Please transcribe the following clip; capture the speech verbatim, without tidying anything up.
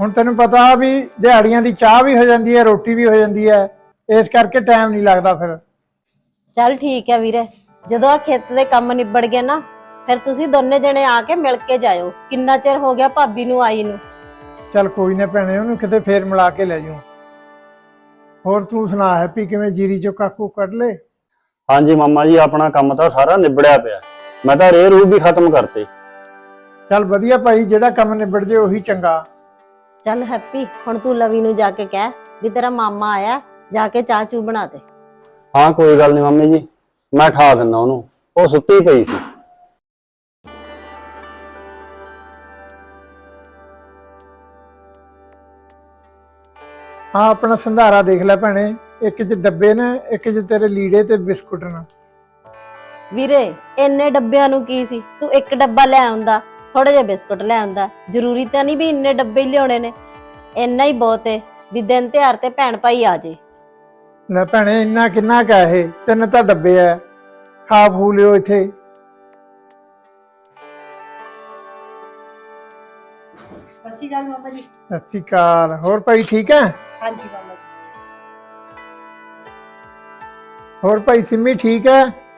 ਹੁਣ ਤੈਨੂੰ पता भी दिहाड़ियां दी चाह भी हो जाती है, रोटी भी हो जाती है, इस करके टाइम नहीं लगता। फिर चल ठीक है वीरे, जदों आ खेत दे काम निबड़ गए ना फिर तुसी दोने जने आके मिल के जाओ। किन्ना चिर हो गया भाभी नू आई नू। चल कोई ना भैणे, उन्होंने किते फेर मिला के ले जाऊं। होर तू सुना हैप्पी, किवें जीरी चो काकू कढ ले? हाँ जी मामा जी, अपना काम तो सारा निबड़िया पिया, मैं तो रे रू भी खत्म करते। चल वधिया भाई, जेड़ा काम निबड़ जे उही चंगा। चल हैप्पी, हुण तू लवी नू जाके कह भी तेरा मामा आया, जाके चाह चू बना दे। हाँ कोई गल नहीं मम्मी जी, मैं ठा दिना ओनू, वो सुत्ती पई सी। हाँ अपना संधारा देख लै भैणे, एक च डब्बे ने, एक च तेरे लीड़े ते बिस्कुट ने। ਵੀਰੇ ਇੰਨੇ ਡੱਬਿਆਂ ਨੂੰ ਕੀ ਸੀ, ਤੂੰ ਇੱਕ ਡੱਬਾ ਲੈ ਆਉਂਦਾ, ਥੋੜੇ ਜਿਹੇ ਬਿਸਕੁਟ ਲੈ ਆਉਂਦਾ। ਜ਼ਰੂਰੀ ਤਾਂ ਨਹੀਂ ਵੀ ਇੰਨੇ ਡੱਬੇ ਹੀ ਲਿਆਉਣੇ ਨੇ, ਇੰਨਾ ਹੀ ਬਹੁਤ ਹੈ ਵੀ ਦਿਨ ਤਿਉਹਾਰ ਤੇ ਭੈਣ ਭਾਈ ਆ ਜੇ। ਲੈ ਭੈਣੇ ਇੰਨਾ ਕਿੰਨਾ ਕਾ ਇਹ, ਤਿੰਨ ਤਾਂ ਡੱਬੇ ਐ, ਖਾ ਫੂ ਲਿਓ ਇੱਥੇ। ਸਤਿ ਸ਼੍ਰੀ ਅਕਾਲ ਮਾਮਾ ਜੀ। ਸਤਿ ਸ਼੍ਰੀ ਅਕਾਲ। ਹੋਰ ਭਾਈ ਠੀਕ ਹੈ? ਹਾਂਜੀ ਮਾਮਾ ਜੀ। ਹੋਰ ਭਾਈ ਸਿੰਮੀ ਠੀਕ ਹੈ?